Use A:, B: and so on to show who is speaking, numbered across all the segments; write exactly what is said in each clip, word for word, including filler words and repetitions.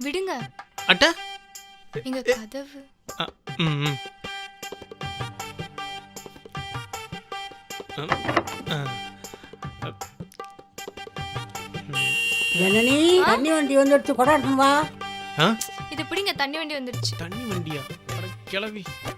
A: விடுங்க.
B: அட்ட
A: எங்க கதவு.
B: ம் ம்
C: ஜனனி தண்ணி வண்டி வந்துடுச்சு, கொடாட்டும் வா.
A: இது பிடிங்க, தண்ணி வண்டி வந்துருச்சு.
B: தண்ணி வண்டியா? அட கிளவி.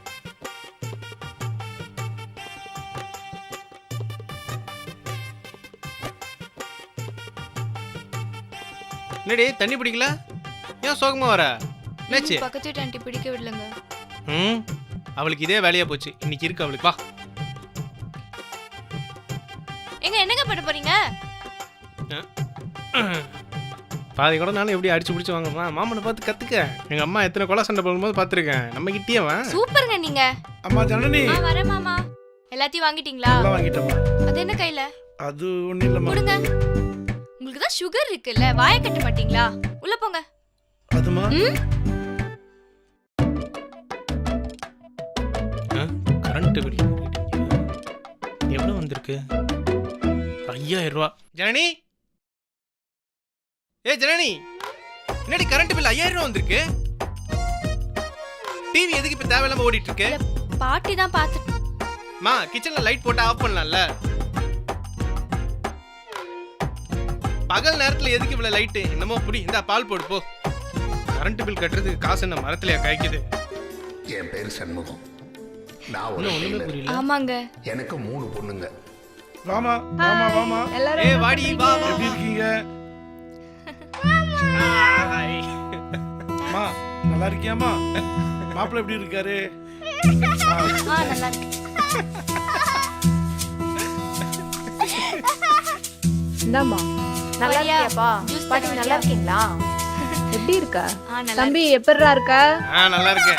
B: என்னடி தண்ணி பிடிக்கல? ஏன் சோகமா வர? என்னாச்சு?
A: பக்கத்து வீட்டு ஆண்டி பிடிக்க விடலங்க.
B: ம் அவளுக்கு இதே வேலையா போச்சு. இன்னைக்கு இருக்கு அவளுக்கு. வா.
A: எங்க என்னங்க பண்ண போறீங்க?
B: பாதி கூட நானும் எப்படி அடிச்சு பிடிச்சு வாங்கம்மா. மாமனை பார்த்து கத்துக்க. எங்க அம்மா எத்தனை கொலை சண்டை போடும்போது பார்த்துருக்கேன். நம்ம கிட்டே வா.
A: சூப்பருங்க நீங்க.
D: அம்மா ஜனனி.
A: ஆ வரேன் மாமா. எல்லாத்தையும் வாங்கிட்டீங்களா?
D: எல்லாம் வாங்கிட்டேம்மா.
A: அது என்ன கையில?
D: அது ஒண்ணும் இல்லம்மா.
A: கொடுங்க. உங்களுக்கு தான் சுகர் இருக்குல்ல, வாயை கட்ட மாட்டீங்களா? உள்ள போங்க.
D: அதுமா?
B: கரண்ட் பில் எவ்வளவு வந்திருக்கு? ஐயாயிரம் ரூபா. ஜனனி, ஏ ஜனனி, என்னடி கரண்ட் பில் ஐயாயிரம் ரூபா வந்திருக்கு? டிவி எதுக்கு இப்ப தேவையில்லாம ஓடிட்டு இருக்கு?
A: பாட்டி தான் பார்த்து.
B: மா கிச்சன்ல லைட் போட்டு ஆஃப் பண்ணலாம்ல? பகல் நேரத்துல எதுக்கு இவ்வளவு லைட்? என்னமோ புடி, இந்த பால் போடு போ. கரண்ட் பில் கட்டுறதுக்கு காசு என்ன மரத்துலயா காய்க்குது?
E: என் பேரு சண்முகம். நான் ஒரு
B: புரியல.
A: ஆமாங்க.
E: எனக்கு மூணு பொண்ணுங்க.
D: வாமா வாமா வாமா.
B: ஏய் வாடி வா வா.
D: எப்படி இருக்கீங்க? அம்மா நல்லா இருக்கியாமா? மாப்பிள்ளை எப்படி இருக்காரு?
A: ஆ நல்லா இருக்கு.
F: என்னம்மா நல்லா இருக்கியாப்பா?
A: ஜூஸ்
F: பாட்டி நல்லா இருக்கீங்களா? எப்படி இருக்க
A: ஆ நல்லா.
F: தம்பி? எப்படிடா இருக்க?
B: ஆ நல்லா இருக்கேன்.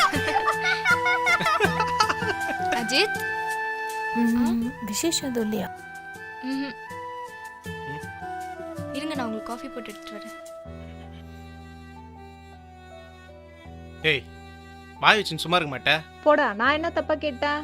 A: அஜித்
F: விசேஷம் எதுவும் இல்லையா?
A: ம்ஹும். இருங்க, நான் உங்களுக்கு காஃபி போட்டு எடுத்துட்டு வரேன்.
B: ஏய் வாய் வச்சுன்னு சும்மா இருக்க மாட்டே?
F: போடா, நான் என்ன தப்பா கேட்டேன்?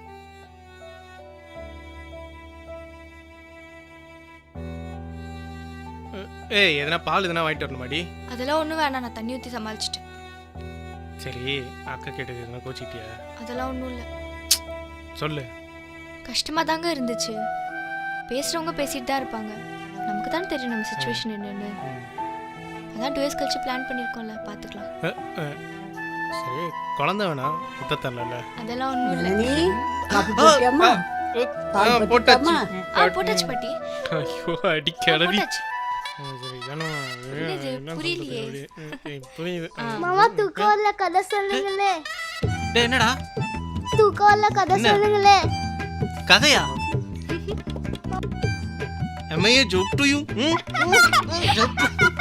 B: ஏய் எதனா பால் எதனா வாங்கிட்டு வரணுமாடி?
A: அதெல்லாம் ஒண்ணும் வேணாம், நான் தண்ணி ஊத்தி சமாளிச்சிட்டேன்.
B: சரி அக்கா கேட்டது எதனா கோச்சிட்டியா?
A: அதெல்லாம் ஒண்ணும் இல்ல.
B: சொல்லு.
A: கஷ்டமா தாங்க இருந்துச்சு. பேசுறவங்க பேசிட்டு தான் இருப்பாங்க. நமக்கு தான் தெரியும் நம்ம சிச்சுவேஷன் என்னன்னு. அதான் டூ இயர்ஸ் கழிச்சு பிளான் பண்ணிருக்கோம்ல, பாத்துக்கலாம்.
B: சரி குழந்தை வேணாம், முத்த தரல.
A: அதெல்லாம் ஒண்ணும் இல்ல.
C: ஜனனி காபி போட்டியாம்மா? பால்
B: போட்டாச்சு.
A: ஆ போட்டாச்சு பாட்டி.
B: ஐயோ அடி
A: ஆ,
B: கிளவி.
A: போட்டாச்சு.
B: சரி ஜனம்
A: என்னது, புரியலையே.
B: புரியுது.
G: மாமா தூக்கம் வரல, கதை சொல்லுங்களே.
B: டேய் என்னடா
G: தூக்கம் வரல, கதை சொல்லுங்களே.
B: கதையா? Am I a joke to you? Hmm?